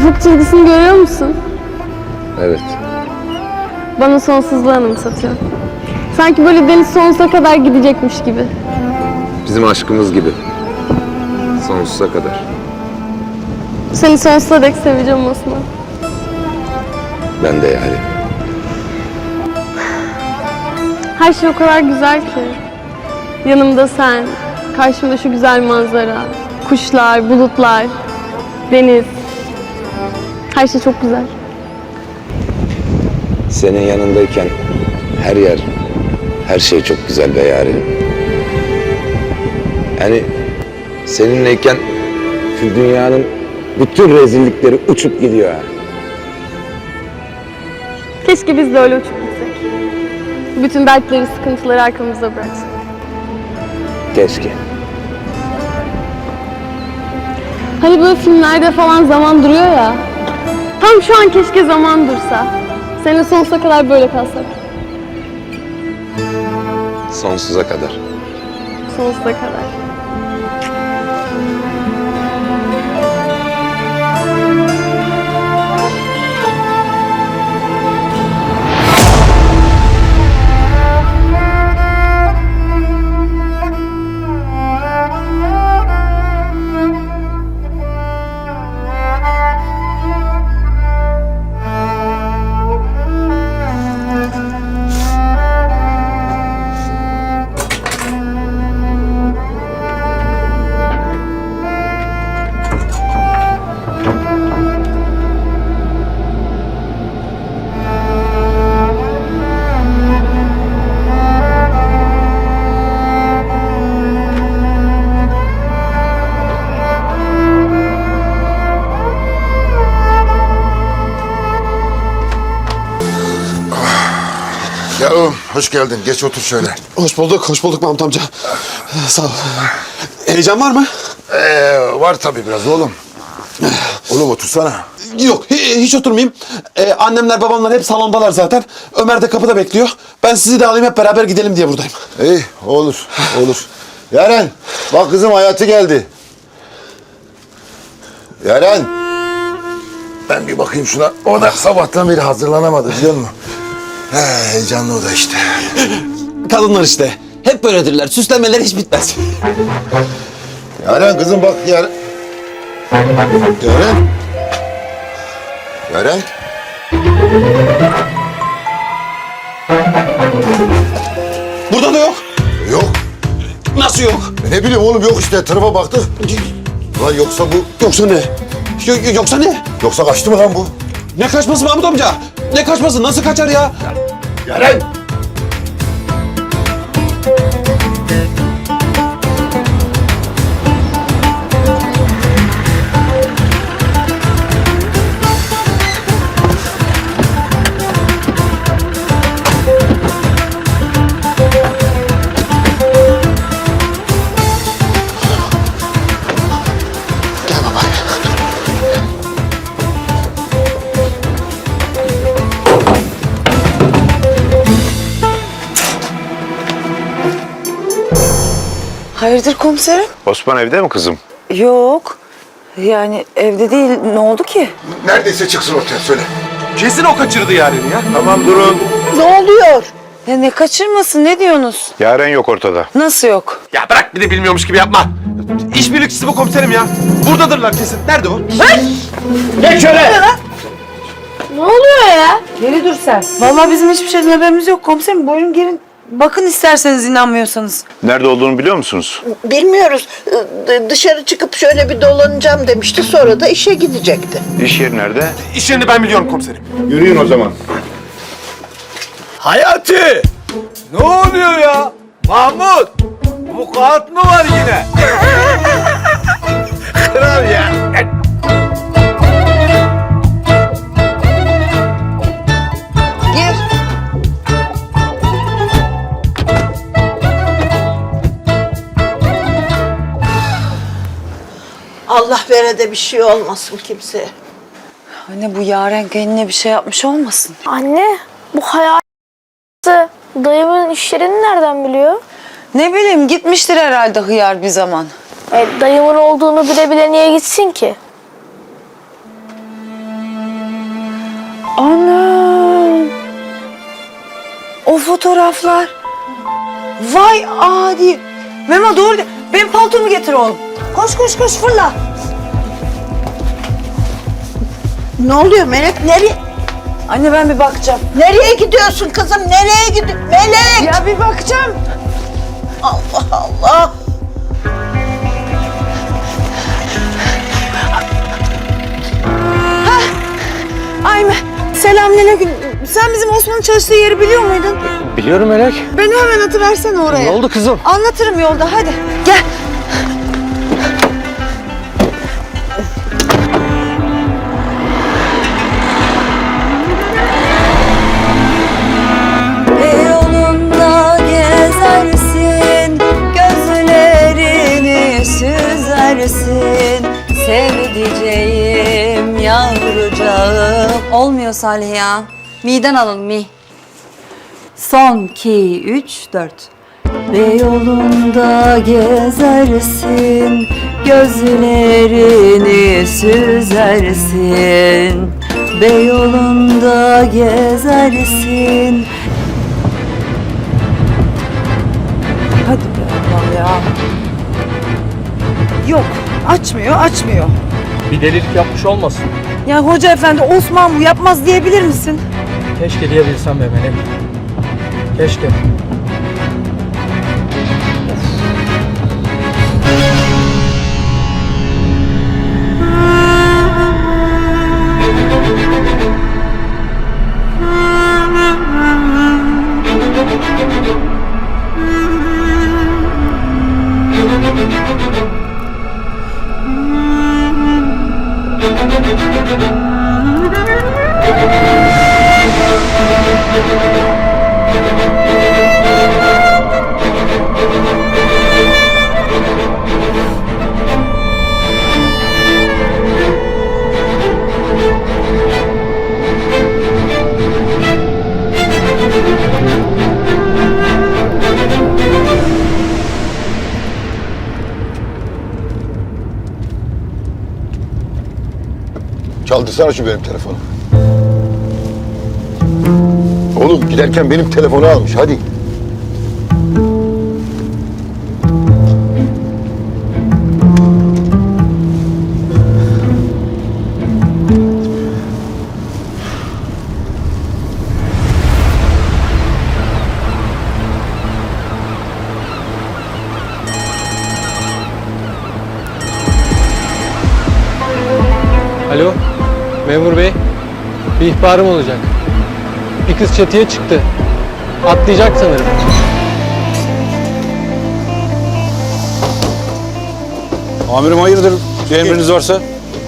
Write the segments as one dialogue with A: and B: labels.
A: ufuk çizgisini görüyor musun?
B: Evet.
A: Bana sonsuzluğu anımsatıyor. Sanki böyle deniz sonsuza kadar gidecekmiş gibi.
B: Bizim aşkımız gibi. Sonsuza kadar.
A: Seni sonsuza dek seveceğim Osman.
B: Ben de yani.
A: Her şey o kadar güzel ki. Yanımda sen, karşımda şu güzel manzara, kuşlar, bulutlar, deniz. Her şey çok güzel.
B: Senin yanındayken her yer, her şey çok güzel be yarenim. Yani seninleyken şu dünyanın bütün rezillikleri uçup gidiyor ha.
A: Keşke biz de öyle uçup gitsek. Bütün dertleri, sıkıntıları arkamızda bıraksak.
B: Keşke.
A: Hani böyle filmlerde falan zaman duruyor ya. Tam şu an keşke zaman dursa. Seninle sonsuza kadar böyle kalsak.
B: Sonsuza kadar.
A: Sonsuza kadar.
C: Ya hoş geldin. Geç otur şöyle.
D: Hoş bulduk Mahmut amca. Sağ ol. Heyecan var mı?
C: Var tabii biraz oğlum. Oğlum otursana.
D: Yok, hiç oturmayayım. Annemler, babamlar hep salondalar zaten. Ömer de kapıda bekliyor. Ben sizi de alayım, hep beraber gidelim diye buradayım.
C: İyi, olur, olur. Yaren, bak kızım Hayati geldi. Yaren. Ben bir bakayım şuna. O da sabahtan beri hazırlanamadı biliyor musun? Heyecanlı o da işte.
D: Kadınlar işte. Hep böyledirler. Süslenmeler hiç bitmez.
C: Yaren kızım bak Yaren. Yaren. Yaren.
D: Burada da yok.
C: Yok.
D: Nasıl yok?
C: Ne bileyim oğlum yok işte. Tarafa baktık. Lan yoksa bu...
D: Yoksa ne? Yoksa ne?
C: Yoksa kaçtı mı lan bu?
D: Ne kaçması Mahmut amca? Ne kaçması? Nasıl kaçar ya?
C: Yaren.
D: Gel baba.
E: Hayırdır komiserim?
B: Osman evde mi kızım?
E: Yok. Yani evde değil. Ne oldu ki?
C: Neredeyse çıksın ortaya söyle.
D: Kesin o kaçırdı Yaren'i ya.
B: Tamam durun.
E: Ne oluyor? Ya ne kaçırmasın? Ne diyorsunuz?
B: Yaren yok ortada.
E: Nasıl yok?
D: Ya bırak, bir de bilmiyormuş gibi yapma. İşbirlikçisi bu komiserim ya. Buradadırlar kesin. Nerede o?
A: Ne oluyor ya?
E: Geri dur sen. Vallahi bizim hiçbir şeyden haberimiz yok komiserim. Buyurun gelin. Bakın isterseniz inanmıyorsanız.
B: Nerede olduğunu biliyor musunuz?
F: Bilmiyoruz. Dışarı çıkıp şöyle bir dolanacağım demişti. Sonra da işe gidecekti.
B: İş yeri nerede?
D: İş yerini ben biliyorum komiserim.
B: Yürüyün o zaman.
G: Hayati! Ne oluyor ya? Mahmut! Vukuat mı var yine? Kral ya!
F: Gir. Allah vere de bir şey olmasın kimseye.
E: Anne bu Yaren kendine bir şey yapmış olmasın?
H: Anne, bu hayatı dayımın iş yerini nereden biliyor?
E: Ne bileyim gitmiştir herhalde hıyar bir zaman.
H: Dayımın olduğunu bile bile niye gitsin ki?
E: O fotoğraflar. Vay adi. Memo doğru. Benim paltomu getir oğlum. Koş koş koş fırla.
F: Ne oluyor Melek? Nereye?
E: Anne ben bir bakacağım.
F: Nereye gidiyorsun kızım? Nereye gidiyorsun? Melek!
E: Ya bir bakacağım.
F: Allah Allah!
E: Ay selamünaleyküm. Sen bizim Osman'ın çalıştığı yeri biliyor muydun?
G: Biliyorum Melek.
E: Beni hemen atıversene oraya.
G: Ne oldu kızım?
E: Anlatırım yolda hadi. Gel.
I: Yolunda gezersin, gözlerini süzersin. Sevdiceğim, yavrucağım. Olmuyor Salih ya. Mi'den alalım mi. Son 2, 3, 4. Ve yolunda gezersin, gözlerini süzersin. Ve yolunda gezersin.
E: Hadi be Allah ya. Yok açmıyor.
G: Bir delilik yapmış olmasın.
E: Ya hoca efendi Osman bu yapmaz diyebilir misin?
G: Keşke diyebilsem be Melek. Keşke.
C: Çaldırsana şu benim telefonu. Oğlum giderken benim telefonu almış. Hadi.
G: Alo, memur bey. Bir ihbarım olacak. Bir kız çatıya çıktı. Atlayacak sanırım.
D: Amirim hayırdır? Bir emriniz varsa?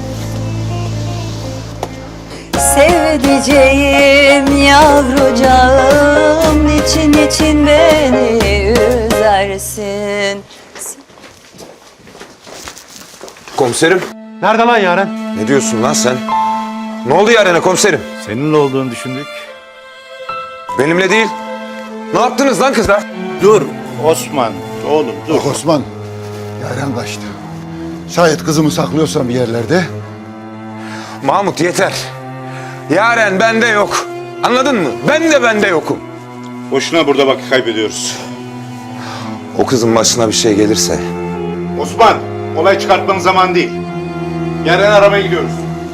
I: Sevdiceğim, yavrucağım, niçin beni üzersin?
B: Komiserim.
D: Nerede lan Yaren?
B: Ne diyorsun lan sen? Ne oldu Yaren'e komiserim?
J: Seninle olduğunu düşündük.
B: Benimle değil. Ne yaptınız lan kıza?
J: Dur Osman, oğlum dur.
C: Bak Osman, Yaren kaçtı. Şayet kızımı saklıyorsan bir yerlerde.
B: Mahmut yeter. Yaren bende yok. Anladın mı? Bende yokum.
J: Boşuna burada vakit kaybediyoruz.
B: O kızın başına bir şey gelirse
J: Osman, olay çıkartmanın zamanı değil. Yarın aramaya gidiyoruz.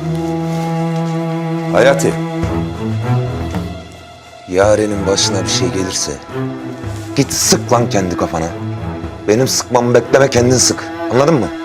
B: Hayati. Yaren'in başına bir şey gelirse git sık lan kendi kafana. Benim sıkmamı bekleme, kendin sık. Anladın mı?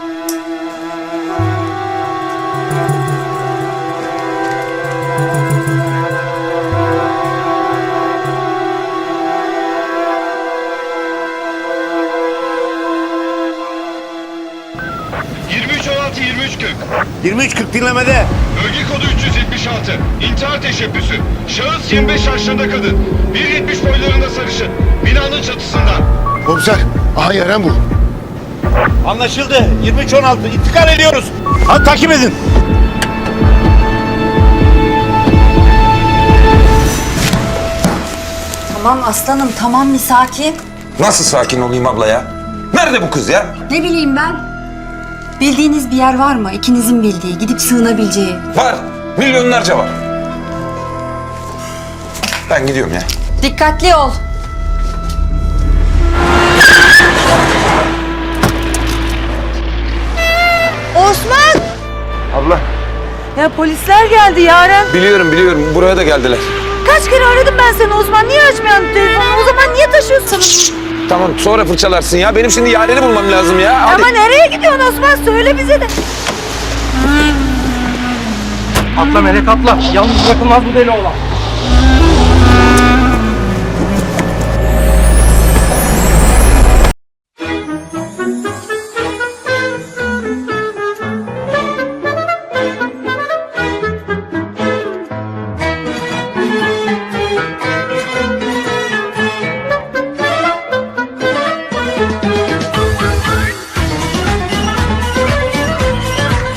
J: — 23.40 dinlemede.
K: Bölge kodu 376. İntihar teşebbüsü. Şahıs 25 yaşlarında kadın. 1.70 boylarında sarışın. Binanın çatısında.
C: Komiser, aha Yaren bu.
J: Anlaşıldı. 23.16 intikal ediyoruz. Hadi takip edin.
I: Tamam aslanım, tamam bir sakin.
B: Nasıl sakin olayım abla ya? Nerede bu kız ya?
I: Ne bileyim ben? Bildiğiniz bir yer var mı? İkinizin bildiği, gidip sığınabileceği.
B: Var. Milyonlarca var. Ben gidiyorum ya.
I: Dikkatli ol.
E: Osman!
B: Abla.
E: Ya polisler geldi Yaren.
B: Biliyorum. Buraya da geldiler.
E: Kaç kere aradım ben seni Osman. Niye açmıyorsun telefonu? O zaman niye taşıyorsun?
B: Tamam sonra fırçalarsın ya. Benim şimdi Yaren'i bulmam lazım ya. Hadi.
E: Ama nereye gidiyorsun Osman? Söyle bize de.
G: Atla Melek atla. Yalnız bırakılmaz bu deli oğlan.